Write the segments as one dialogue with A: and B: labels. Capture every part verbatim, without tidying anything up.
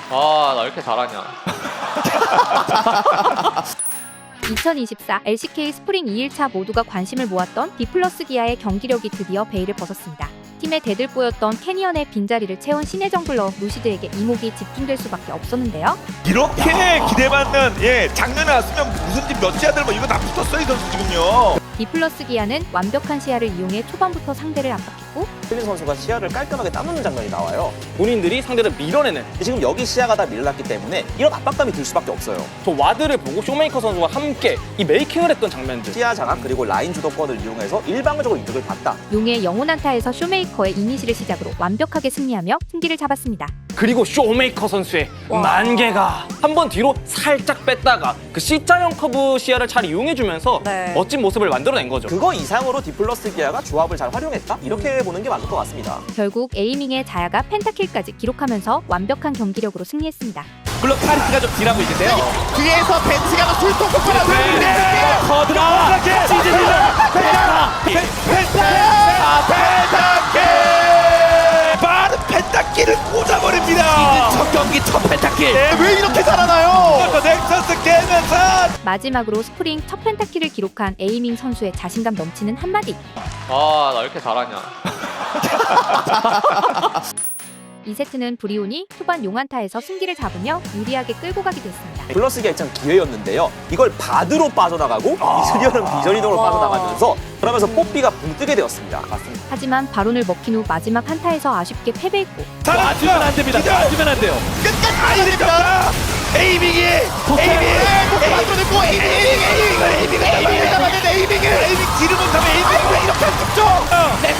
A: 아, 나 이렇게 잘하냐.
B: 이천이십사 엘씨케이 스프링 이 일차 모두가 관심을 모았던 디플러스 기아의 경기력이 드디어 베일을 벗었습니다. 팀의 대들보였던 캐니언의 빈자리를 채운 신의 정글러 루시드에게 이목이 집중될 수밖에 없었는데요.
C: 이렇게 기대받는 예 작년에 왔으면 무슨 팀 몇 지아들 뭐 이거 다 붙었어 이 선수 지금요.
B: 디플러스 기아는 완벽한 시야를 이용해 초반부터 상대를 압박했고
D: 필린 선수가 시야를 깔끔하게 따놓는 장면이 나와요.
E: 본인들이 상대를 밀어내는
D: 지금 여기 시야가 다 밀렸기 때문에 이런 압박감이 들 수밖에 없어요.
E: 저 와드를 보고 쇼메이커 선수와 함께 이 메이킹을 했던 장면들.
D: 시야 장악 그리고 라인 주도권을 이용해서 일방적으로 이득을 봤다.
B: 용의 영혼 한타에서 쇼메이커의 이니시를 시작으로 완벽하게 승리하며 승기를 잡았습니다.
E: 그리고 쇼메이커 선수의 만개가 한 번 뒤로 살짝 뺐다가 그 C자형 커브 시야를 잘 이용해주면서
F: 네.
E: 멋진 모습을 만들어낸 거죠.
D: 그거 이상으로 디플러스 기아가 조합을 잘 활용했다? 이렇게 보는 게 맞을 것 같습니다.
B: 결국 에이밍의 자야가 펜타킬까지 기록하면서 완벽한 경기력으로 승리했습니다.
C: 물론 카리스가 좀 딜하고 있는데요.
G: 뒤에서 벤츠가 술통 폭발하고 있는데
C: 커드가 찌질러 펜타킬 빠른 펜타킬을 꽂아버립니다.
G: 첫 경기 첫 펜타킬.
C: 네,
G: 왜 이렇게 잘하나요?
C: 또 넥서스 깨면서
B: 마지막으로 스프링 첫 펜타킬을 기록한 에이밍 선수의 자신감 넘치는 한마디.
A: 아, 나 이렇게 잘하냐.
B: 이 세트는 브리온이 초반 용한타에서 승기를 잡으며 유리하게 끌고 가게 됐습니다.
D: 플러스 기아 입장 기회였는데요. 이걸 바드로 빠져나가고 이즈리언은 비전이동으로 빠져나가면서 그러면서 뽀삐가 붕 뜨게 되었습니다. 맞습니다.
B: 하지만 바론을 먹힌 후 마지막 한타에서 아쉽게 패배했고
G: 놔주면 안 됩니다. 놔주면 안 돼요. 끝까지 가야 됩니다.
C: 에이밍이 에이밍
G: 못 만들어냈고 에이밍 에이밍 에이밍 에이밍 에이밍 잡았는데 에이밍을
C: 에이밍 딜을 못하면 에이밍 왜 이렇게 죽죠?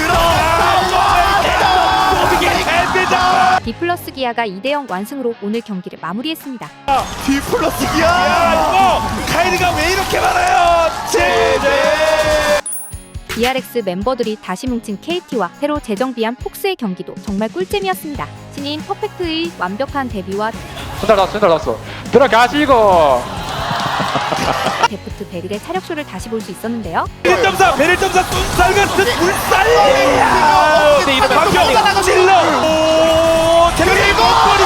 C: 그렇다.
B: 디플러스 기아가 이 대 영 완승으로 오늘 경기를 마무리했습니다.
G: 디플러스
C: 야
G: 기아.
C: 이거 카이드가 왜 이렇게 많아요? 제제.
B: 디알엑스 멤버들이 다시 뭉친 케이티와 새로 재정비한 폭스의 경기도 정말 꿀잼이었습니다. 신인 퍼펙트의 완벽한 데뷔와
A: 손달 났어, 손달 났어. 들어가시고.
B: 데프트 베릴의 차력쇼를 다시 볼 수 있었는데요.
C: 일 점 사 베릴 점사 쏜살 같은 물살이야.
G: 네, 이러면
C: 박경
G: 또 나가고
C: 찔러. 오
G: 그리고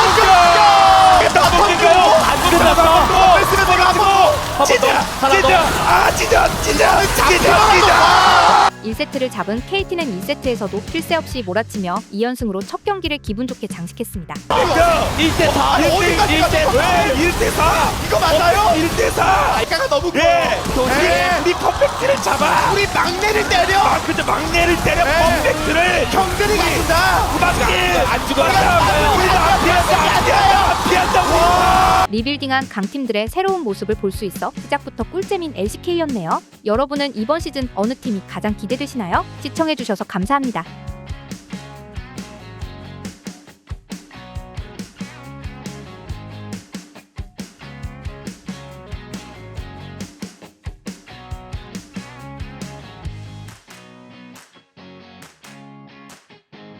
C: 버리니까요. 안 끝났어.
G: 뺐으면 들어가고
C: 찢어 찢어 아 찢어 찢어 찢어 찢어.
B: 일 세트를 잡은 케이티는 이 세트에서도 쉴 새 없이 몰아치며 이 연승으로 첫 경기를 기분 좋게 장식했습니다.
C: 일 대 사
G: 어디까지
C: 일 대
G: 갔어?
C: 왜 일 대 사
G: 이거 맞나요?
C: 일 대 사
G: 아이가가 너무
C: 예
G: 네.
C: 우리 퍼펙트를 잡아
G: 우리 막내를 때려.
C: 아 그저 막내를 때려
G: 네.
C: 퍼펙트를
G: 경들이 갖춘다.
C: 막내 안 죽었다 우리도 안 피한다 안 피한다 안 피한다고.
B: 리빌딩한 강팀들의 새로운 모습을 볼 수 있어 시작부터 꿀잼인 엘씨케이였네요. 여러분은 이번 시즌 어느 팀이 가장 기대되시나요? 시청해주셔서 감사합니다.